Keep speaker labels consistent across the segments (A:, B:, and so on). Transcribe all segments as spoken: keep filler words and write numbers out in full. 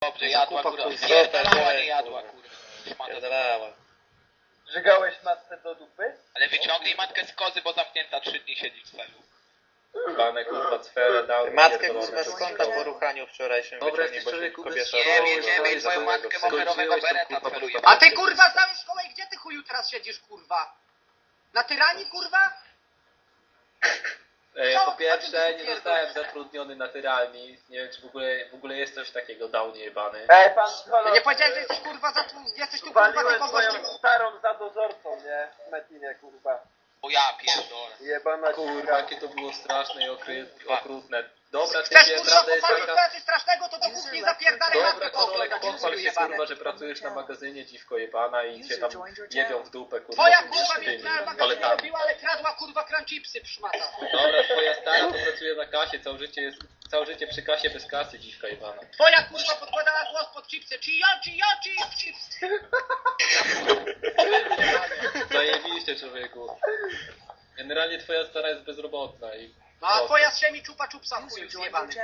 A: Dobrze, jadła
B: Kupa,
A: kurwa.
B: kurwa,
A: Pierdalała,
B: kurwa.
A: nie jadła kurwa. Szmata.
B: Pierdalała.
C: Żygałeś matce do dupy?
A: Ale wyciągnij matkę z kozy, bo zamknięta trzy dni siedzi w celu.
D: Bane kurwa cfele dał.
B: Matkę kurwa skąd po ruchaniu wczorajszym
D: Dobra,
B: wyciągnij,
D: jesteś
B: bo się
D: człowieku bez
B: kobieta
D: szkoły,
A: Nie,
B: woła,
A: nie,
B: kurwa,
A: nie,
B: i
A: twoją
B: za
A: matkę
B: tego
A: moherowego
D: skończyłeś tą,
A: bereta
D: kurwa,
A: celuje.
D: podstawę.
E: A ty kurwa znałeś szkołę i gdzie ty chuju teraz siedzisz kurwa? Na tyranii kurwa?
D: E,
E: Co?
D: po
E: Co
D: pierwsze,
E: ty
D: nie
E: pierdolisz?
D: zostałem zatrudniony na tyralni. Nie wiem, czy w ogóle, w ogóle jest coś takiego, dał jebany.
C: Ej, pan
E: Ja
C: psycholog,
E: nie powiedziałeś, że jesteś kurwa za tu, jesteś tu kurwa
C: waliłem
E: tylko
C: swoją
E: gościem.
C: starą za dozorcą, nie? W Metinie, kurwa.
A: Bo ja pierdolę.
C: Jebana
D: Kurwa,
C: kurwa.
D: jakie to było straszne i okry, okrutne. Dobra,
E: Chcesz
D: typie,
E: kurwa
D: prawda jest
E: popatrzeć
D: taka...
E: na coś strasznego, to do kuchni zapierdalaj
D: Dobra,
E: matkę
D: Korolek,
E: pochłonąć,
D: pochwal
E: chuju
D: się
E: jebany.
D: kurwa, że pracujesz na magazynie, dziwko jebana i cię tam jebią w dupę, kurwa.
E: Twoja
D: tymi
E: kurwa
D: tymi
E: mnie na magazynie
D: paletami.
E: robiła, ale kradła kurwa crunchipsy szmata.
D: Dobra, twoja stara to pracuje na kasie, całe życie jest, całe życie przy kasie bez kasy, dziwka jebana.
E: Twoja kurwa podkładała głos pod chipsy. Czy ja, czy ja, czy ja, chipsy.
D: Zajebiście, człowieku. Generalnie twoja stara jest bezrobotna i...
E: No a twoja z siemi czupa czupsa chuju zjebany.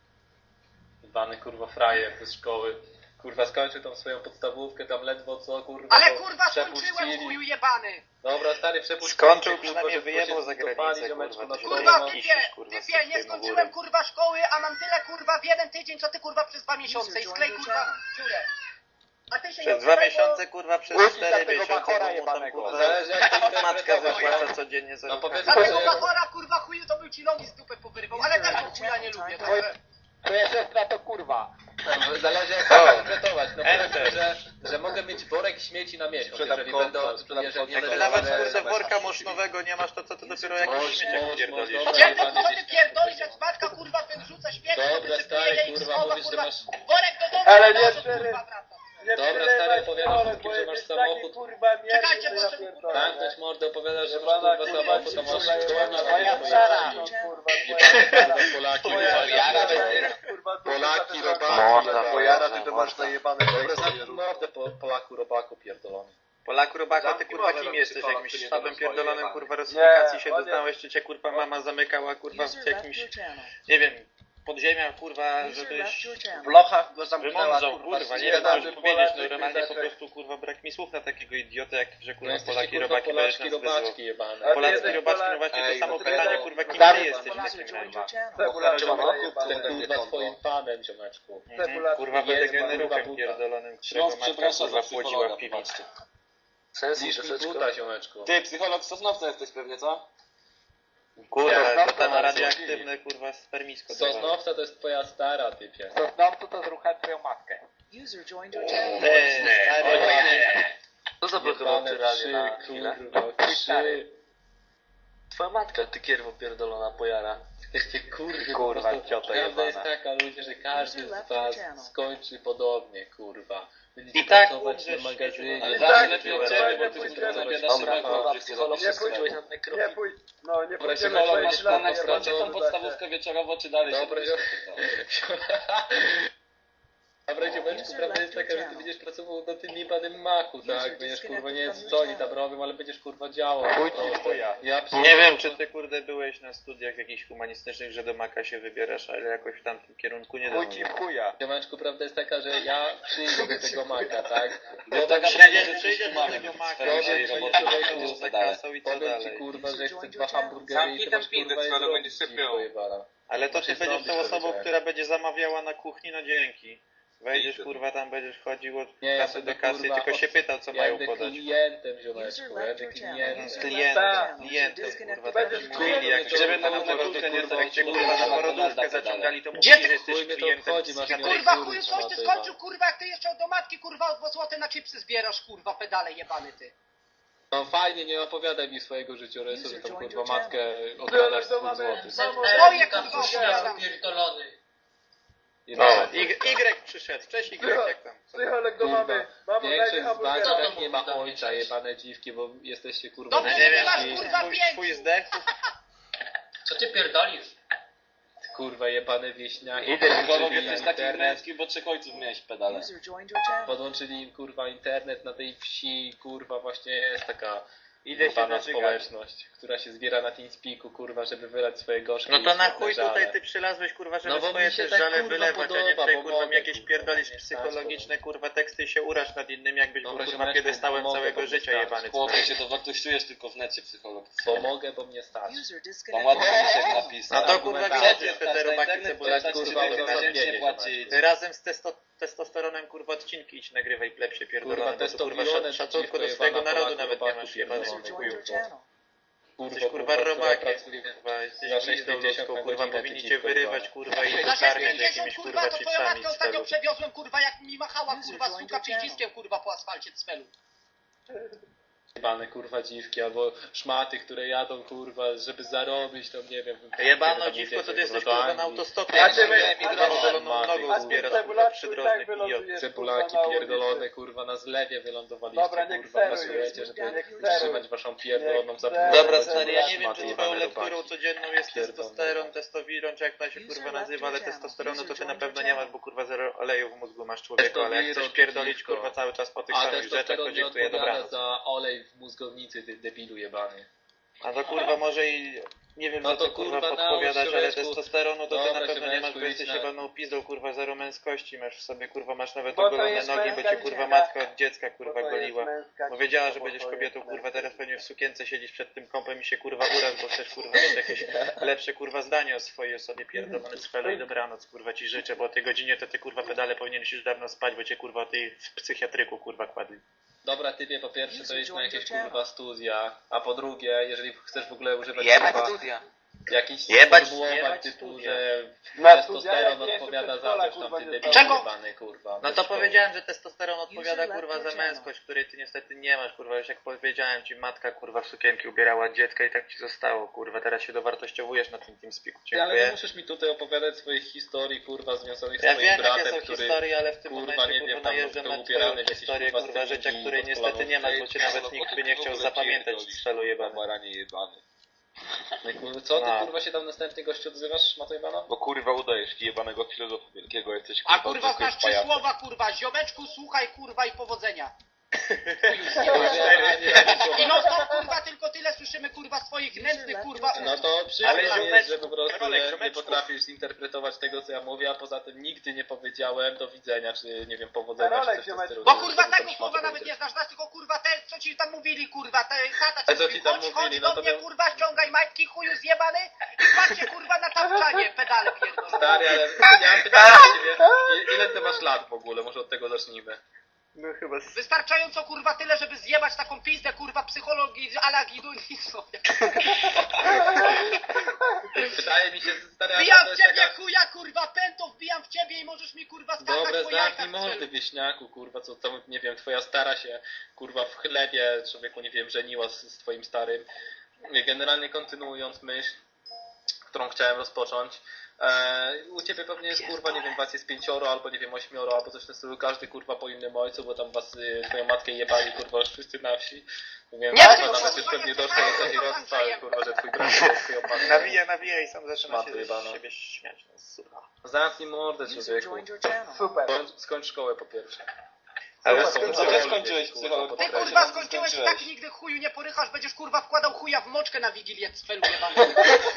D: Jebany kurwa frajer bez szkoły. Kurwa skończył tam swoją podstawówkę, tam ledwo co kurwa...
E: Ale
D: to
E: kurwa skończyłem
D: przepuścili.
E: chuju jebany.
D: Dobra, stary, przepuścili.
B: Skończył,
D: kurwa,
B: przynajmniej
D: że
B: wyjebał
D: się
B: za
D: dopali,
B: granicę,
D: ziomeczku,
B: kurwa,
D: na
B: to się
D: szkołę.
E: Kurwa
B: nie
E: typie,
B: kisisz, kurwa, z
E: typie, nie
B: tym
E: skończyłem
B: ogórem.
E: kurwa szkoły, a mam tyle kurwa w jeden tydzień, co ty kurwa przez dwa miesiące i sklej kurwa dziurę. A ty się nie
B: Przez dwa
E: odzywaj, bo-
B: miesiące, kurwa, przez
C: Łuki
B: cztery
C: dla tego
B: miesiące,
C: bachora
B: bo mu tam,
C: jebanego.
B: kurwa,
D: Zależy jak to
B: matka
D: interpretować.
B: zapłaca codziennie za
D: No
B: ruchanie.
D: powiedzmy,
E: Dlatego
D: że...
E: bachora kurwa chuju to był ci nogi z dupy powyrywał, ale tak go chuja nie lubię. także-
C: Twoja siostra to kurwa.
D: Zależy jak
B: O.
D: to interpretować. No
B: Enter.
D: powiedzmy, że, że mogę mieć worek śmieci na miesiąc,
C: Sprzedam
D: jeżeli
C: kąt,
D: będę...
C: sprzedam
D: jeżeli
C: kąt.
B: Jak
D: będę-
B: ty nawet,
D: będę-
B: kurde, worka moszynowego nie masz, to co ty dopiero
D: Moż,
B: jakiś śmieciak
D: moż,
B: pierdolisz?
D: moż,
E: Gdzie
D: dobra.
E: ty kurwa ty pierdolisz, jak matka kurwa wyrzuca śmieci, to
D: Dobra,
E: wysypuje
D: stary,
E: je i
D: kurwa,
E: schowa
D: mówisz, że
E: kurwa
D: masz-
E: worek do domu,
C: Ale
E: a
C: nie,
E: to,
C: stary.
E: kurwa wraca.
C: Nie
D: Dobra,
C: przylewaj
D: stary, opowiadasz
C: psycholog,
D: wszystkim,
C: bo
D: że masz
C: jesteś taki,
D: samochód.
C: kurwa mierny,
E: Czekajcie,
C: że
E: bo
C: ja
E: sobie
C: pierdolę.
D: Tak, ktoś mordę opowiada, że masz
C: Jebana
D: kurwa
C: kurwa,
D: samochód, to masz
C: kurwa,
D: szkołę
C: jebana
D: na
C: twoja
D: rynku,
C: stara,
D: jebani.
C: no, kurwa, twoja stara.
D: Polaki,
C: Twoja
A: Jara
C: stara,
A: będzie-
C: kurwa, to
D: Polaki,
C: kurwa,
D: robaki,
B: Można,
D: jebani.
B: Pojara,
F: ty to masz zajebane
D: Dobra, zamknij mordę po, Polaku, robaku pierdolony.
B: Polaku, robaka, ty
F: Zamknij
B: kurwa
F: mordę,
B: kim
F: no,
B: jesteś?
F: psycholog,
B: Jakimś
F: ty nie
B: sztabem
F: to swoje
B: pierdolonym,
F: jebane.
B: kurwa, rusyfikacji się
C: Nie, on
B: doznałeś, czy cię kurwa mama zamykała, kurwa, w jakimś, nie wiem, podziemiach, kurwa, żebyś
C: W lochach go zamknęła,
B: wymądrzał,
C: kurwa,
B: kurwa, nie
C: nie
B: wiem,
C: da,
B: co
C: że
B: już powiedzieć, no
C: Polacy
B: normalnie po
C: zaczęli.
B: prostu, kurwa, brak mi słów na takiego idiotę, jak, że
D: No
B: kurwa,
D: jesteście
B: Polaki,
D: kurwa
B: robaki, będziesz
D: Polaczki,
B: nas wyzywał.
D: robaczki jebane.
C: Ale
B: Polacy,
C: jesteś
B: robaczki,
C: Polak-
B: no właśnie to
F: Ej,
B: samo
F: no
B: pytanie,
C: to-
B: kurwa, kim
C: Zaraz-
B: ty jesteś w takim razie?
C: Cebula,
D: Ten kurwa swoim panem, ziomeczku.
B: Mhm, kurwa, będę
D: Jest,
B: generuchem
D: kurwa,
B: pierdolonym, którego
F: Śląsk
B: matka,
F: przeprasza
B: kurwa,
F: za
B: płodziła
F: psychologa,
B: w piwnicy.
F: Sensi
D: Niż mi buta, ziomeczku.
F: Ty, psycholog Sosnowca jesteś pewnie, co?
B: Kurwa, to tam radioaktywne, kurwa, spermisko. dawało.
D: Sosnowca to jest twoja stara, typie.
C: Sosnowcu to zruchać twoją matkę.
B: Eee, stary,
F: Co zablokował
D: Jebane
F: tyranię
D: trzy,
F: na chwilę?
D: kurwa, trzy.
F: Twoja matka, ty kierwo pierdolona pojara.
D: Jesteście kurwy,
B: Kurwa,
D: po prostu
B: ciota
D: prawda
B: jebana.
D: jest taka, ludzie, że każdy z was skończy podobnie, kurwa. Będziecie
B: I tak
D: pracować
B: umrzesz,
D: na magazynie.
B: ale
C: I
F: zawsze
C: tak,
F: lepiej
C: kurwa,
F: od ciebie,
C: nie
F: bo ty
C: pójdziemy.
F: kurwa zabierasz
D: Dobra,
F: się
D: dobra,
F: na
C: psycholog,
F: Nie
C: nie pójdziesz
F: pójdziesz na
C: Nie pójdź, no nie
D: Dobra,
C: pójdziemy
D: psycholog,
C: twoje
D: masz
C: ślady,
D: plan na
C: jebane,
D: skończy tą
C: kurwa,
F: podstawówkę wieczorowo, czy dalej
D: Dobra,
F: się
D: Dobra, ziomeczku, prawda jest taka, że ty będziesz pracował na tym jebanym machu, tak? Będziesz kurwa, nie wiem co oni tam robią, ale będziesz kurwa działał.
B: Chuj
D: po
B: ci w
D: prostu.
B: chuja.
D: Ja
B: Nie wiem, czy ty, kurde, byłeś na studiach jakichś humanistycznych, że do maka się wybierasz, ale jakoś w tamtym kierunku nie
C: Chuj
B: dam.
C: ci w chuja.
D: Ziomeczku, prawda jest taka, że ja przyjdę do tego maka, tak?
B: No
F: taka
B: tak,
F: przyjdzie,
B: że
F: że
B: przyjdziesz do tego maka,
D: Powiem
B: że
D: ci,
B: roboty
D: człowieku,
B: będziesz za
F: dalej.
B: kasą i co
D: Powiem ci
B: dalej.
D: kurwa, że chcę dwa hamburgery
F: Zamknij
D: i to
F: ten
D: masz
F: pizdę,
D: kurwa
F: co ale
D: zrobić,
F: będzie sypiał.
D: dziwko jebana.
B: Ale to ty
D: Musisz
B: będziesz
D: zrobić,
B: tą osobą,
D: powiedziałem.
B: która będzie zamawiała na kuchni, no dzięki. Wejdziesz,
F: Idę.
B: kurwa, tam będziesz chodził od
D: Nie, ja
B: kasy
D: będę,
B: do kasy i
D: kurwa,
B: tylko się
D: od-
B: pytał, co
D: Ja
B: mają
D: będę
B: podać.
D: klientem, ziomeczku, ja będę
B: Z
D: klientem.
B: klientem,
C: Tak.
B: klientem, kurwa,
C: Będziesz
B: takim
C: klientem,
B: mówili, jak
D: to
B: cię
D: żeby
B: kurwa,
D: na
B: na
D: górkę
B: porodówkę,
F: nie
B: jak cię
F: załatwiło,
B: kurwa na
F: kurwa,
B: porodówkę
F: dalej.
B: zaciągali, to
E: Gdzie
B: mówili,
E: ty,
B: że jesteś
D: chuj mnie to
B: klientem.
D: obchodzi, masz
E: Ty
D: mieć
E: kurwa
D: kurwa,
E: chuju coś ty
D: ty,
E: skończył kurwa, jak ty jeszcze do matki kurwa o dwa złote na chipsy zbierasz kurwa, pedale jebany ty.
D: No fajnie, nie opowiadaj mi swojego życiorysu, że tam kurwa matkę
C: Ty,
D: okradasz
C: ale
D: z
C: to
D: dwóch
C: mamy,
D: złotych.
C: mamo,
E: Moje kurwa opowiadam.
B: O, Y, Y przyszedł, cześć Y, jak tam? Co?
C: Psycholog do mamy. Mamo, daj mi
D: Większość z was
C: hamburgera.
D: tak nie ma ojca, jebane dziwki, bo jesteście kurwa
E: Dobrze,
B: Nie
E: że
B: wiem,
E: masz
D: najlepsi.
E: kurwa
B: twój,
E: pięć.
B: twój zdech,
A: Co ty pierdolisz?
D: Kurwa jebane wieśniaki.
F: Psycholog
D: Podłączyli
F: jesteś taki
D: internet,
F: męski, bo trzech ojców miałeś pedale.
D: podłączyli im kurwa internet na tej wsi, kurwa właśnie jest taka
B: Idę się
D: Jebana
B: nażygać.
D: społeczność, która się zbiera na TeamSpeaku, kurwa, żeby wylać swoje gorzkie
B: No to
D: i
B: na
D: smutne
B: chuj
D: żale.
B: tutaj ty przylazłeś, kurwa, żeby
D: No bo
B: swoje
D: mi się
B: też
D: tak,
B: żale
D: kurwa,
B: wylewać, a nie
D: podoba,
B: tutaj,
D: bo
B: kurwa,
D: mogę,
B: jakieś
D: kurwa,
B: pierdolisz
D: nie stać,
B: psychologiczne, kurwa, teksty i się uraż nad innymi, jakbyś był,
D: Dobra,
B: kurwa,
D: ziomeczku,
B: piedestałem
D: pomogę,
B: całego
D: bo
B: życia
D: mnie
B: jebany.
F: Chłopie, się dowartościujesz tylko w necie psychologicznie.
D: Pomogę, bo mnie stać.
F: Tam ładnie się napisać.
B: No to, kurwa,
D: Argumentacja.
B: widać, że te robaki
F: internet
B: cebulaki,
F: płacać
B: kurwa,
F: cztery
B: kurwa,
F: miesięcznie płaci.
B: Ty razem z testo testosteronem, kurwa, odcinki idź nagrywaj plepsie pierdolone, bo tu, kurwa,
D: testosterone
B: szac- szacunku do
D: przeciwko
B: swojego
D: jebana
B: narodu
D: Polaków,
B: nawet nie
D: robaków
B: masz, jebany
D: pierdolony.
B: chuju.
D: Kurwa,
B: Jesteś, kurwa,
D: która
B: robakiem,
D: pracuje
B: kurwa, jesteś
D: za
B: glizdą
D: sześćdziesiąt
B: ludzką,
D: na
B: kurwa,
D: godzinę,
B: powinni
D: ty
B: cię
D: dziwko
B: wyrywać,
D: jebana.
B: kurwa, i
E: Za
B: dokarmiać
E: sześćdziesiąt,
B: jakimiś,
E: kurwa,
B: kurwa,
E: to twoją
B: chipsami
E: matkę
B: z
E: ostatnio
B: celu.
E: przewiozłem, kurwa, jak mi machała, kurwa, suka przyciskiem, kurwa, po asfalcie cfelu.
D: Jebane, kurwa, dziwki, albo szmaty, które jadą, kurwa, żeby zarobić, to nie wiem.
B: Jebano
D: tam
B: dziwko,
D: jedziecie,
B: to ty jesteś,
D: do
B: kurwa,
D: Anglii.
B: na autostopie,
C: Ja
B: jak
C: cię
B: sobie
C: wiem,
B: zieloną
D: a ty-
B: nogą
C: A ty
B: zbierasz, kurwa,
C: cebulaczku i tak
B: przydrożnych idiotów.
C: wylądujesz,
D: Cebulaki
C: kurwa, na ulicy.
D: pierdolone, kurwa, na zlewie wylądowaliście,
C: Dobra, nie
D: kurwa,
C: kseruj,
D: pracujecie, żeby
C: nie kseruj.
D: utrzymać waszą pierdoloną
C: Nie
D: zapłatę.
C: kseruj.
B: Dobra, stary, ja nie wiem,
D: Szmaty
B: czy
D: jebane
B: twoją lekturą
D: robaki.
B: codzienną jest
D: Pierdolone.
B: testosteron, testowiron, czy jak to się kurwa nazywa, ale testosteronu to ty na pewno nie masz, bo kurwa zero oleju w mózgu masz, człowieku, ale jak chcesz
D: Testowiron,
B: pierdolić,
D: dziwko.
B: kurwa, cały czas po tych
D: A
B: samych rzeczach, to
D: testosteron nie
B: dziękuję,
D: odpowiada
B: dobranoc.
D: za olej w mózgownicy, ty debilu jebany.
B: A to kurwa może i nie wiem,
D: No
B: za
D: to,
B: co kurwa
D: kurwa,
B: podpowiadasz,
D: nałóż,
B: ale
D: ziomeczku.
B: testosteronu to ty
D: Dobra,
B: na pewno nie masz,
D: ziomeczku,
B: bo
D: idź
B: jesteś
D: na-
B: jebaną pizdą, kurwa, zero męskości, masz w sobie, kurwa, masz nawet
C: Bo to
B: ogolone
C: jest
B: nogi, bo
C: męska
B: cię kurwa
C: dziewczyna.
B: matka od dziecka,
C: Bo
B: kurwa,
C: to jest
B: goliła.
C: męska
B: Bo wiedziała, że
C: dziewczyna,
B: będziesz
C: bo to
B: kobietą,
C: jest
B: kurwa,
C: męska
B: teraz pewnie w sukience siedzisz przed tym kąpem i się kurwa uraż, bo chcesz kurwa mieć jakieś lepsze kurwa zdanie o swojej osobie, pierdolony cfelu i dobranoc, kurwa ci życzę, bo o tej godzinie to ty kurwa pedale powinieneś już dawno spać, bo cię kurwa o tej w psychiatryku kurwa kładli.
D: Dobra, typie, po pierwsze to jest na jakieś kurwa studia, a po drugie, jeżeli chcesz w ogóle używać
A: Jebać
D: kurwa
A: studia.
D: jakichś
B: Jebać-
D: sformułowań
B: jebać
D: typu,
B: studia.
D: że
C: Na studia,
D: testosteron
C: jak nie
D: odpowiada
C: jestem
D: za
C: przedszkola,
D: coś tam,
C: kurwa,
D: ty
C: nie
D: debil
E: Czego?
D: jebany, kurwa.
B: No
D: bez
B: to
D: szkoły.
B: powiedziałem, że testosteron odpowiada
G: User
B: kurwa
G: left
B: za
G: your channel.
B: męskość, której ty niestety nie masz, kurwa, już jak powiedziałem ci, matka kurwa w sukienki ubierała dziecka i tak ci zostało, kurwa, teraz się dowartościowujesz na tym TeamSpeaku,
D: Ty, ale nie
B: dziękuję.
D: musisz mi tutaj opowiadać swoich historii, kurwa, związanych z
B: Ja
D: twoim
B: wiem jakie
D: bratem,
B: są
D: który...
B: historie, ale w tym
D: kurwa,
B: momencie
D: nie
B: kurwa
D: wiem, tam
B: najeżdżam
D: był
B: na
D: ubierany
B: twoją
D: w jakieś,
B: historię,
D: kurwa,
B: kurwa, rzeczach,
D: stringi
B: której
D: pod
B: niestety
D: kolaną
B: nie masz, bo
D: wtedy.
B: cię nawet nikt by nie chciał zapamiętać z celu jebany.
F: Baranie jebany.
D: No, kurwa, co ty,
B: No.
D: kurwa, się tam następnie gościu odzywasz, Matej Bana?
F: Bo kurwa udajesz jebanego filozofa wielkiego, jesteś
E: A kurwa
F: zwykłym
E: znasz trzy
F: pajacem.
E: słowa, kurwa, ziomeczku, słuchaj, kurwa i powodzenia. I no to kurwa tylko tyle słyszymy, kurwa, swoich nędznych, kurwa,
D: No to
B: Ale
D: przykro mi jest,
B: ziomeczku,
D: że po prostu
B: Karolek,
D: nie, nie
B: ziomeczku.
D: potrafisz zinterpretować tego, co ja mówię, a poza tym nigdy nie powiedziałem do widzenia, czy nie wiem, powodzenia,
C: Karolek,
D: czy coś w tym
C: ziomeczku.
D: stylu.
E: Bo
D: To-
E: kurwa
D: to tam
E: tego
D: szmaty
E: słowa nawet
D: powiedzieć.
E: nie znasz, znasz tylko kurwa te, co ci tam mówili, kurwa, te tata
D: A
E: ci
D: co
E: mówi,
D: ci tam
E: chodź,
D: mówili?
E: chodź
D: No
E: do
D: to
E: mnie,
D: bym-
E: kurwa, ściągaj majtki, chuju zjebany i patrzcie, kurwa, na tapczanie, pedale pierdolone.
D: Stary, ale ja mam pytanie do ciebie, I- ile ty masz lat w ogóle? Może od tego zacznijmy.
B: No chyba z...
E: Wystarczająco, kurwa, tyle, żeby zjebać taką pizdę, kurwa, psychologii, ala gidulizmu.
D: Wydaje mi się, stary,
E: Wbijam
D: to
E: w
D: jest
E: ciebie
D: taka...
E: chuja, kurwa, pęto, wbijam w ciebie i możesz mi, kurwa, skakać
D: Dobre,
E: po
D: zamknij
E: jajkach.
D: mordy, wieśniaku, kurwa, co tam, nie wiem, twoja stara się, kurwa, w chlebie, człowieku, nie wiem, żeniła z, z twoim starym. Generalnie kontynuując myśl, którą chciałem rozpocząć, e, u ciebie pewnie jest, kurwa, nie wiem, was jest pięcioro, albo nie wiem, ośmioro, albo coś w tym stylu, każdy, kurwa, po innym ojcu, bo tam was, y, twoją matkę jebali, kurwa, już wszyscy na wsi. Więc
E: Nie,
D: kurwa,
E: tylko
D: nawet
E: kurwa,
D: już pewnie
E: nie
D: doszło
E: słuchaj,
D: do takiej
E: co tam
D: rozstawy,
E: zajeb-
D: kurwa, że twój brat jest twoją matką.
B: Nawija, nawija i sam zaczyna
D: Szmaty
B: się
D: jebana.
B: z siebie śmiać, no suka.
D: Zamknij mordę,
G: User
D: człowieku.
G: joined your channel.
C: Super.
D: Skończ, skończ szkołę po pierwsze.
B: Ale
C: Co
B: skąd
F: Co
B: co
F: ty
B: ty
F: skończyłeś psycholog?
E: Ty,
F: Podkreślam,
E: kurwa,
F: co
E: skończyłeś i
F: skończyłeś.
E: tak nigdy chuju nie porychasz, będziesz, kurwa, wkładał chuja w moczkę na Wigilię z felu jebany.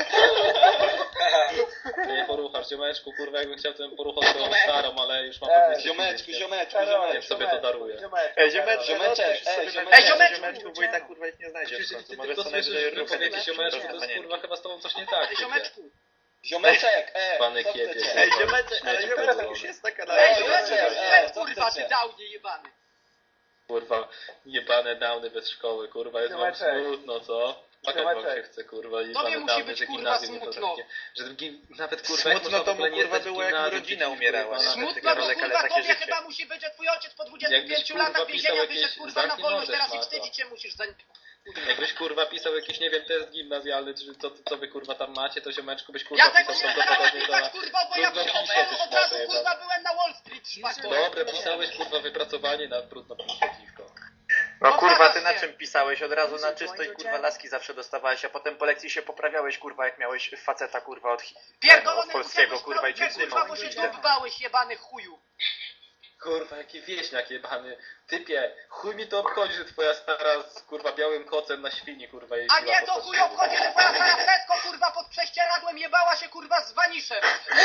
D: Ty nie poruchasz, ziomeczku, kurwa, jakbym chciał, to bym poruchał swoją starą, ale już mam
C: Ej,
D: pewnie
F: Ziomeczku,
D: więc-
F: ziomeczku,
C: Karolek,
D: Więc
F: ziomeczku.
D: sobie to daruję.
C: Ziomeczku,
B: Ej, ziomeczku,
F: Ziomeczek,
B: musisz sobie
F: ej,
B: napisać
F: ziomeczek.
E: Ej, ziomeczku!
B: ziomeczku, bo i tak kurwa ich nie znajdziesz w
D: Przecież
B: końcu.
D: ty
B: Może
D: tylko
B: co najwyżej
D: słyszysz
B: ruchem
D: wypowiedzi
B: jakieś
D: ziomeczku,
B: kurwa
D: to jest,
B: panienki.
D: kurwa, chyba z tobą coś nie tak.
E: Ej,
D: typie.
E: ziomeczku.
F: Ziomeczek, e,
D: Pany
F: co
D: kiepie,
F: chcecie?
B: Ej,
D: kurwa,
B: ziomeczek, ale
D: śmieci
B: ziomeczek
D: pierdolone.
B: już jest taka na
E: Ej,
F: Ej,
E: ziomeczku,
F: ziomeczek,
E: ej,
F: ej, co
E: kurwa,
F: chcecie?
E: ty dałnie jebany.
D: Kurwa, jebane downy bez szkoły, kurwa, jest wam
C: Ziomeczek.
D: smutno, co? Płakać wam się
C: Ziomeczek.
D: chce, kurwa, i
E: Tobie
D: jebane
E: musi
D: downy,
E: być,
D: że
E: kurwa,
D: gimnazjum nie
E: smutno.
D: potraficie. Że w gim... nawet, kurwa, jak
B: Smutno
D: można w
B: to
D: ogóle
B: mu,
D: nie
B: kurwa,
D: zdać
B: było, jak mu
D: gimnazjum,
B: rodzina
D: przecież,
B: umierała,
D: kurwa,
B: nie?
D: nawet-
E: Smutno, bo,
B: Karolek, ale
E: kurwa,
B: takie
E: tobie
B: życie.
E: chyba musi być, że twój ojciec po dwudziestu
D: Jakbyś,
E: pięciu
D: kurwa,
E: latach
D: pisał
E: więzienia
D: jakieś-
E: wyszedł, kurwa, na
D: zamknij
E: wolność,
D: mordę,
E: teraz i
D: szmato.
E: wstydzić się musisz za...
D: Jakbyś, kurwa, pisał jakiś, nie wiem, test gimnazjalny, czy co, co wy, kurwa, tam macie, to ziomeczku byś, kurwa,
E: Ja tego
D: pisał
E: nie teraz
D: prawdopodobnie
E: pisać,
D: za...
E: kurwa, bo ja w
D: trudno pisze,
E: szkole
D: ty
E: od razu,
D: szmato
E: kurwa, byłem na Wall Street, szmato.
D: Dobre, pisałeś, kurwa, wypracowanie na brudno piwko.
B: No
E: No
B: kurwa,
E: teraz
B: ty na
E: nie.
B: czym pisałeś? Od razu na
G: User
B: czysto i
G: joined
B: kurwa
G: your
B: laski zawsze dostawałeś, a potem po lekcji się poprawiałeś, kurwa, jak miałeś faceta, kurwa, od, hi-
E: Pierdolony
B: od polskiego,
E: uciekłeś
B: kurwa, i cię
E: kurwa, bo się dubałeś, jebany chuju.
D: Kurwa, jaki wieśniak jebany. Typie, chuj mi to obchodzi, że twoja stara z kurwa białym kocem na świni kurwa jeździła.
E: A nie,
D: po
E: to
D: prostu.
E: chuj obchodzi, że twoja stara Tesco kurwa pod prześcieradłem jebała się kurwa z waniszem.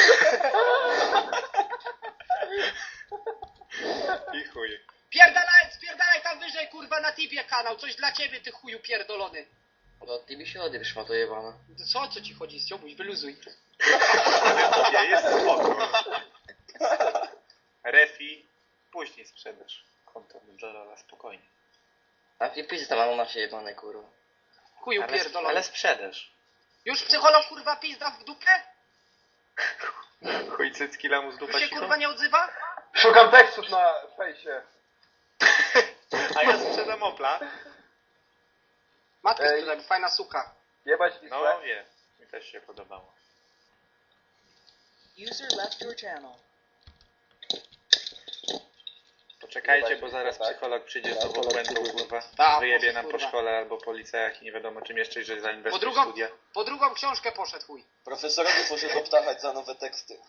B: I chuj.
E: Pierdalaj, spierdalaj tam wyżej kurwa na Tibie kanał, coś dla ciebie ty chuju pierdolony.
F: No ty mi się odjesz, ma to jebana.
E: Co, co ci chodzi, ściobuś, wyluzuj.
B: Ja jest spoko. Refi, później sprzedasz. Konto Berdolola, spokojnie.
F: A ty pizda mam na się jebane, kurwa.
E: Chuju
B: Ale,
E: pierdolony.
B: ale sprzedasz.
E: Już psycholog kurwa pizda w dupę?
B: Chuj cycki lamus
E: Już
B: dupa
E: się
B: siku.
E: kurwa nie odzywa?
C: Szukam tekstów na fejsie.
B: A ja sprzedam Opla.
E: Matka
C: Ej.
E: sprzedaj, fajna suka.
C: Jebać
B: No
C: Wisłę.
B: wie, mi też się podobało.
G: User left your channel.
B: Poczekajcie, bo zaraz psycholog przyjdzie z nową błędą, kurwa.
E: Tak,
B: Wyjebie nam po
E: kurwa.
B: szkole albo po liceach i nie wiadomo czym jeszcze, że
E: Po
B: zainwestuje w
E: drugą,
B: studia.
E: po drugą książkę poszedł chuj.
H: Profesorowi poszedł obtachać za nowe teksty.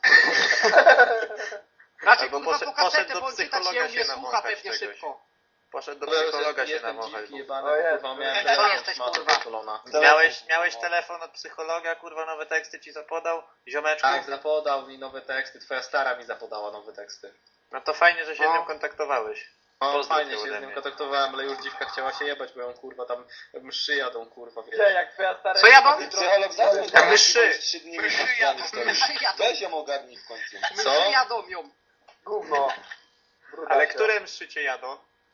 E: Raczej
B: Albo
E: kurwa
B: poszedł-
E: po kasetę,
B: poszedł do
E: bo on czytać
B: psychologa
E: nie umie,
B: się
E: słucha
B: nawąchać
E: pewnie
B: czegoś.
E: szybko.
B: Poszedł do
D: Dobra,
B: psychologa
D: jestem
B: się nawąchać.
D: dziwki
B: bo-
D: jebany,
C: O Jezu.
D: kurwa, miałem
E: Co
D: telefon
E: jesteś,
D: szmatą
E: kurwa?
D: pierdolona.
B: Miałeś, miałeś telefon od psychologa, kurwa, nowe teksty ci zapodał? Ziomeczku?
D: Tak, zapodał mi nowe teksty, twoja stara mi zapodała nowe teksty.
B: No to fajnie, że się
E: No.
B: z nią kontaktowałeś.
D: No
B: Pozdrów
D: fajnie
B: ją
D: się
B: ode
D: z nią
B: mnie.
D: kontaktowałem, ale już dziwka chciała się jebać, bo ją kurwa tam mszy jadą, kurwa, wiesz.
C: Gdzie, jak twoja stara...
E: Co ja mam?
H: Psycholog zadzwoń do
B: Tam
H: nas,
B: myszy.
H: bo trzy dni mi specjalnie stoi.
E: Myszy jadą,
H: Weź ją ogarnij w końcu.
D: Co?
E: myszy jadą ją.
C: Gówno. Brudasia.
B: Ale które mszycie jadą?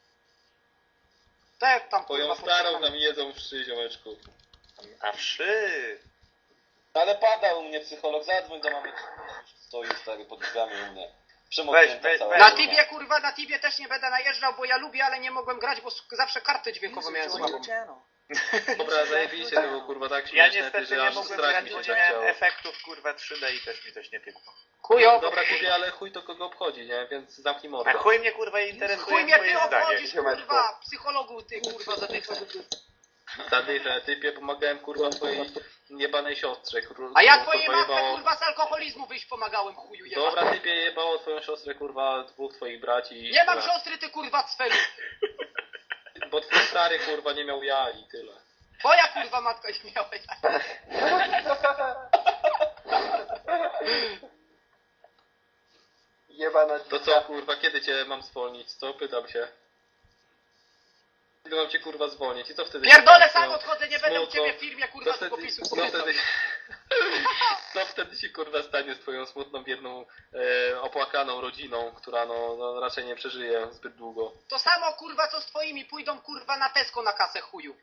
E: Tak tam
D: Twoją
E: kurwa
D: starą
E: poczekam.
D: tam jedzą wszy, ziomeczku.
B: A wszy!
H: Ale pada u mnie psycholog, zadzwoń do mamy. Stoi stary pod drzwiami u mnie.
B: Weź,
H: Przemoknięta
B: weź,
H: cała.
B: weź.
E: Na
H: kurwa.
E: Tibie kurwa, na Tibie też nie będę najeżdżał, bo ja lubię, ale nie mogłem grać, bo s- zawsze kartę dźwiękową
G: User
E: miałem
G: joined
E: słabą.
G: your channel.
D: Dobra, zajebiście, to było kurwa tak
B: Ja
D: śmieszne, ty,
B: niestety
D: że
B: nie
D: aż
B: mogłem
D: strach
B: grać,
D: mi
B: bo
D: się
B: nie miałem
D: zachciało.
B: efektów, kurwa, trzy D i też mi coś nie piekło.
E: Chujo,
D: Dobra, typie, ale chuj to kogo obchodzi, nie? Więc zamknij mordę.
B: A chuj mnie, kurwa, interesuje
E: chuj mnie ty
B: twoje zdanie.
E: obchodzisz kurwa, psychologu ty kurwa zadychę.
D: Zadychę, typie, pomagałem kurwa twojej jebanej siostrze. Kur,
E: A ja
D: którą,
E: twojej
D: kurwa,
E: matce
D: jebało-
E: kurwa z alkoholizmu wyjść pomagałem chuju jebany.
D: Dobra, typie, jebało twoją siostrę, kurwa, dwóch twoich braci.
E: Nie mam
D: kurwa,
E: siostry ty kurwa cfelu.
D: Bo twój stary kurwa nie miał ja i tyle.
E: Twoja kurwa matka nie miała.
C: Jebana
D: To co kurwa, kiedy cię mam zwolnić? Co? Pytam się. Kiedy mam cię kurwa zwolnić? I co wtedy?
E: Pierdolę
D: się
E: sam
D: stanie?
E: odchodzę, nie będę u
D: Smutno.
E: ciebie w firmie
D: Co
E: kurwa
D: wtedy,
E: długopisów
D: co wtedy, co wtedy się kurwa stanie z twoją smutną, biedną, e, opłakaną rodziną, która no, no raczej nie przeżyje zbyt długo.
E: To samo kurwa co z twoimi, pójdą kurwa na Tesco na kasę chuju.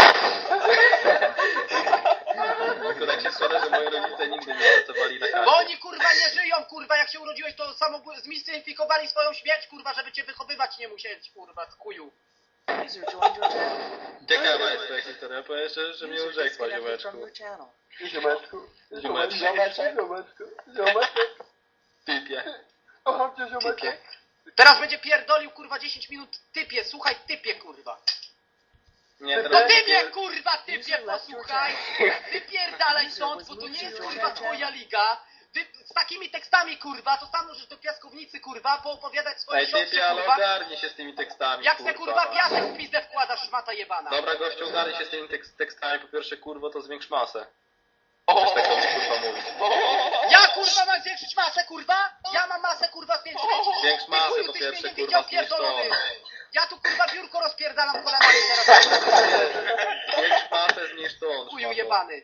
D: Tylko tak się składa, że moi rodzice nigdy nie pracowali na
E: Bo
D: kasie.
E: oni kurwa nie żyją kurwa, jak się urodziłeś to samo zmistyfikowali swoją śmierć kurwa, żeby cię wychowywać nie musieć kurwa z chuju.
G: User joined your channel.
D: Ciekawa jest ta historia, powiesz, że, że mnie
G: User
D: urzekła,
G: disconnected
D: ziomeczku.
G: from your channel.
C: Ziomeczku.
D: Ziomeczku.
C: Ziomeczku. Ziomeczku. Ziomeczku.
D: Typie.
C: Kocham cię, ziomeczku.
E: Typie. Teraz będzie pierdolił kurwa dziesięć minut typie, słuchaj typie kurwa.
D: Nie,
E: To
D: teraz
E: ty
D: typie-
E: mnie kurwa typie posłuchaj. Wypierdalaj stąd, bo to nie jest kurwa twoja liga. Wy z takimi tekstami kurwa, to tam możesz do piaskownicy kurwa poopowiadać swoje
D: Ej, typie,
E: siostrze
D: ale
E: kurwa.
D: ogarnij się z tymi tekstami,
E: Jak se kurwa piasek w pizdę wkładasz, szmata jebana.
D: Dobra, gościu, ogarnij się z tymi tekst, tekstami. Po pierwsze, kurwo, to zwiększ masę. Też tak do mnie, kurwa, mówić.
E: Ja kurwa mam zwiększyć masę kurwa? Ja mam masę kurwa zwiększyć.
D: Zwiększ
E: Ty
D: masę,
E: chuju,
D: po
E: tyś
D: pierwsze,
E: mnie nie
D: kurwa,
E: widział
D: zwiększ to.
E: pierdolony. Ja tu kurwa biurko rozpierdalam kolanami teraz.
D: Zwiększ masę, zmniejsz to.
E: Chuju jebany.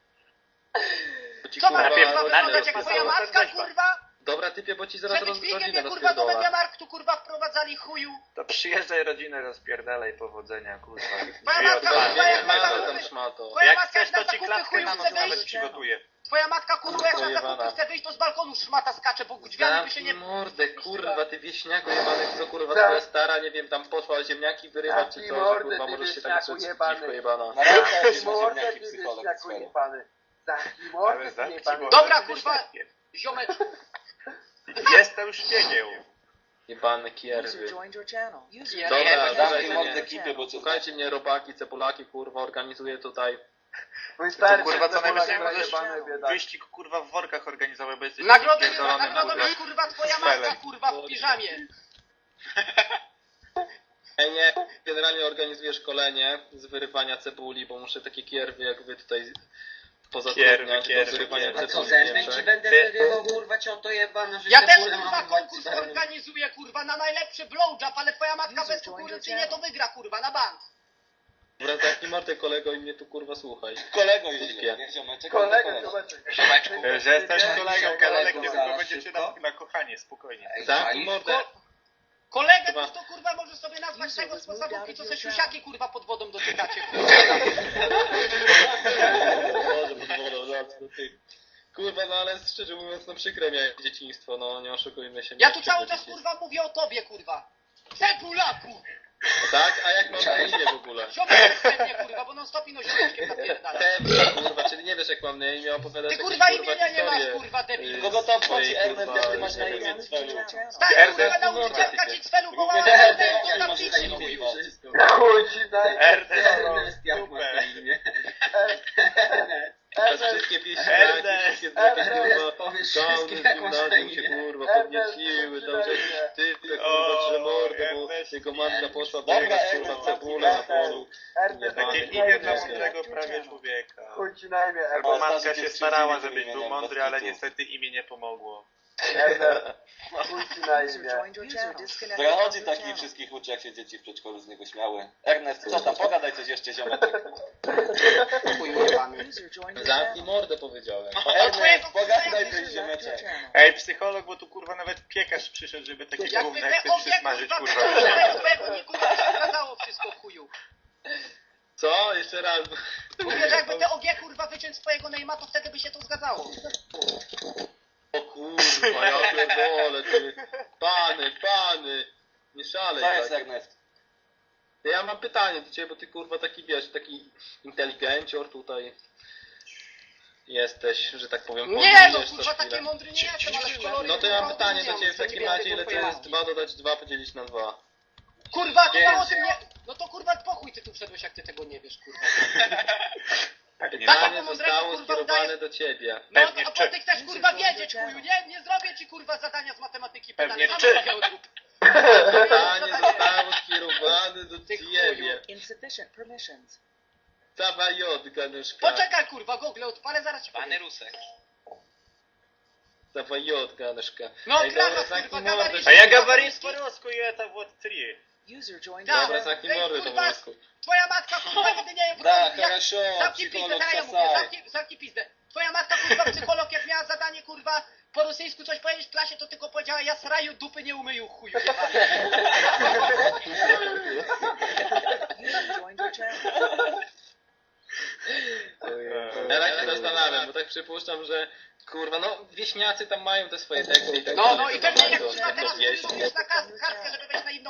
D: Bo ci,
E: Co mam
B: Najpierw-
E: kurwa
B: najpierw
E: wyglądać jak twoja
B: rozpasowo
E: matka
B: weźma.
E: kurwa?
D: Dobra, typie, bo ci zaraz
E: Żeby
D: roz,
E: dźwigiem
D: rodzinę
E: mnie kurwa do
D: rozpierdolę.
E: Mediamarktu kurwa wprowadzali chuju.
B: To przyjeżdżaj rodzinę, rozpierdalaj, powodzenia, kurwa.
E: Twoja
B: Drzwi
E: matka
B: otwarte.
E: kurwa jak
D: Zwiększ masę
E: na
D: tam,
E: zakupy.
D: szmato.
E: Twoja
B: Jak
E: matka
B: chcesz,
E: jak na
B: to ci
E: zakupy
B: klatkę
E: chuju
B: na
E: chce
B: noc nawet
E: wyjść.
B: przygotuję.
E: Twoja matka kurwa jak na
D: Pojebana.
E: zakupy chce wyjść, to z balkonu szmata skacze, bo drzwiami by się
D: Zamknij
E: nie...
D: mordę, kurwa, ty wieśniaku jebany, co kurwa twoja stara, nie wiem, tam poszła ziemniaki wyrywać czy
C: Zamknij
D: coś, że
C: mordę,
D: kurwa
C: ty
D: możesz się
C: wieśniaku
D: tak przed
C: jebany.
D: dziwko jebana.
H: Na ręce
C: Zamknij
H: jakieś
C: mordę,
H: ziemniaki
C: ty
H: psycholog
C: wieśniaku
H: swego.
C: jebany. Zamknij
B: Ale
C: mordę, ty
B: zamknij
C: jebany.
B: mordę,
E: Dobra,
B: ty
E: kurwa.
B: wieśniakiem.
E: Ziomeczku.
B: Jestem szpiegiem.
D: Jebane
G: User
D: kierwy.
G: joined your channel. User
E: Nie,
D: Dobra,
E: nie,
D: dawaj,
H: Zamknij
D: nie,
H: mordę
D: nie.
H: ekipy, bo cię
D: Słuchajcie mnie, robaki, cebulaki, kurwa, organizuję tutaj.
C: Mój stary,
B: kurwa, co najwyżej
C: Polak
B: możesz
C: jebany, biedak.
B: wyścig, kurwa, w workach organizować, bo jesteś
E: Nagrodą,
B: pierdolonym,
E: nagrodą
B: kurwa.
E: jest kurwa twoja
B: Spelem.
E: matka kurwa w piżamie.
D: Ej, nie, generalnie organizuję szkolenie z wyrywania cebuli, bo muszę takie kierwy jak wy tutaj pozatrudniać do
B: kierwy,
D: wyrywania
B: kierwy.
I: A co,
D: cebuli w
I: zębem ci
D: Niemczech.
I: będę
B: Ty-
I: wyrywał, kurwa, cioto jebana, że
E: Ja też
I: cebulę
E: kurwa
I: mam
E: konkurs
I: urwać.
E: organizuję kurwa na najlepszy blowjob, ale twoja matka bezkonkurencyjnie to wygra kurwa na bank.
D: Dobra, zamknij mordę kolego i mnie tu kurwa słuchaj.
H: Kolego już
D: Śpię.
H: nie, ziomeczek.
C: Kolega,
H: kolego.
C: ziomeczek.
A: Siemeczku.
B: Że jesteś kolegą,
H: Kolego,
B: kolektyw,
H: zaraz,
B: tylko będziecie
H: szybko.
B: na, na kochanie, spokojnie.
I: Ej,
D: Zamknij
I: czaisz?
D: mordę.
E: Kolegę
D: Chyba-
E: to kurwa możesz sobie nazwać
G: User
E: tego
G: was
E: z
G: moved
E: podstawówki,
G: out
E: co
G: of
E: se
G: your
E: siusiaki kurwa pod wodą dotykacie kurwa.
D: Boże, pod wodą, zaraz do tych. Kurwa, no ale szczerze mówiąc, no przykre miałem dzieciństwo, no nie oszukujmy się.
E: Ja
D: miałem
E: tu cały
D: przykre
E: czas
D: dzieciństwo.
E: kurwa mówię o tobie kurwa. Cebulaku!
D: Tak? A jak mam na imię w ogóle?
E: Ziomek pewnie kurwa, bo non stop ino ziomeczkiem napierdala.
D: Pewnie, kurwa, czyli nie wiesz jak mam na imię, opowiadasz
E: Ty
D: jakieś,
E: kurwa imienia nie
D: historie.
E: masz kurwa debil.
H: Kogo to obchodzi
D: Swojej,
H: Ernest,
D: kurwa,
H: jak ty masz na
D: nie
H: imię,
D: wiem.
H: Cwelu?
E: Stary
B: Ernest,
E: kurwa nauczycielka
D: no,
E: ci cwelu wołała
H: Mówię,
E: Ernest
H: jak
E: do
H: masz na
E: tablicy
H: imię,
E: chuju.
H: kurwa?
I: Wszystko.
C: Chuj ci daj.
B: Ernest,
I: Ernest, jak masz na
B: super.
I: imię?
D: Teraz wszystkie pieśni, wszystkie takie kurwa,
I: Powiesz
D: downy
I: wszystkie,
D: z
I: jak masz na
D: gimnazjum się
I: imię.
D: kurwa podnieciły, tam że jakiś typ, kurwa,
B: O,
D: że mordę, bo
B: Ernest.
D: jego matka poszła
H: Dobra,
D: wyjechać
H: Ernest,
D: kurwa cebulę na polu.
C: Ernest,
B: Takie
D: Takie
B: imię dla
D: imię.
B: mądrego prawie człowieka.
C: chuj ci na imię,
B: Bo
C: Ernest.
B: matka się starała, żebyś
H: imię,
B: był
H: nie?
B: mądry,
H: Bez
B: ale
H: kitu.
B: niestety imię nie pomogło.
C: Ernest. Chuj ci na
G: User
C: imię.
G: joined your User channel. disconnected
H: Zachodzi
G: from your
H: taki
G: channel.
H: wszystkich uczy, jak się dzieci w przedszkolu z niego śmiały. Ernest, co tam, pogadaj coś jeszcze, ziomeczek.
E: Chuj jebany.
G: User joined your
D: Zamknij
G: channel.
D: mordę powiedziałem.
H: Ernest, pogadaj coś,
G: User left your
H: ziomeczek.
G: channel.
B: Ej, psycholog, bo tu kurwa nawet piekarz przyszedł, żeby takie
E: Jakby
B: gówno
E: te
B: jak ty
E: ogie
B: przysmażyć,
E: kurwa
B: kurwa.
E: wyciągnęły z pewni kurwa się zgadzało wszystko chuju.
D: Co? Jeszcze raz.
E: Mówię, że jakby te ogie kurwa wyciąć swojego Neymar, to wtedy by się to zgadzało.
D: O kurwa, ja pierdolę, ty. Pany, pany. Nie szalej
H: Co jest
D: tak.
H: Ernest?
D: Ja mam pytanie do ciebie, bo ty kurwa taki wiesz, taki inteligencior tutaj jesteś, że tak powiem,
E: Nie no
D: polujesz co
E: kurwa
D: chwilę.
E: taki mądry nie jestem, ale w kolory
D: No to ja mam
E: kurwa
D: pytanie do
E: odróżniam,
D: ciebie w
E: co
D: takim
E: nie
D: razie,
E: wiem,
D: ile to
E: tylko
D: jest
E: ja.
D: dwa dodać dwa podzielić na dwa?
E: Kurwa, to
H: Pięć.
E: mało tym nie... No to kurwa pochuj ty tu wszedłeś, jak ty tego nie wiesz kurwa.
B: Pewnie
E: Tak,
D: Pytanie
E: jak mu
D: zostało
E: mądrego, kurwa,
D: skierowane
E: udaje-
D: do ciebie.
E: No
B: Pewnie
E: a
B: czy.
E: bo ty chcesz kurwa wiedzieć chuju, nie? Nie zrobię ci kurwa zadania z matematyki
B: Pewnie
E: pytania.
B: czy.
E: Sam sobie odrób.
D: Pytanie zostało skierowane do
E: Ty
D: ciebie.
G: Insufficient permissions.
D: Cawa jod, ganuszka.
E: Poczekaj kurwa, Google odpalę, zaraz ci
A: Pany
E: powiem.
A: Rusek.
D: Cawa jod, ganuszka.
E: No
D: Ej,
E: krawa
D: dobra,
E: kurwa,
D: zamknij
E: gabaryt.
D: mordę.
B: A ja говорить по-русски, это вот три.
G: User joined
E: Да,
G: your
D: Dobra,
G: channel.
D: zamknij
E: Ej,
D: mordę po
E: kurwa,
D: prostu.
E: Twoja matka kurwa nigdy nie...
H: Tak,
E: jak-
H: хорошо,
E: Zamknij pizdę,
H: psycholog
E: zaraz ja mówię,
H: Sasaj.
E: zamknij, zamknij pizdę. Twoja matka kurwa psycholog, jak miała zadanie kurwa po rosyjsku coś powiedzieć w klasie, to tylko powiedziała ja sraju dupy nie umyju chuju jebany.
G: User joined your channel.
D: Ja tak się zastanawiam, bo tak przypuszczam, że kurwa, no wieśniacy tam mają te swoje teksty i tak
E: No,
D: dalej,
E: no i
D: to
E: pewnie
D: tam
E: jak
D: to-
E: kurwa
D: to
E: teraz
D: wieś.
E: mówisz na kas- kartkę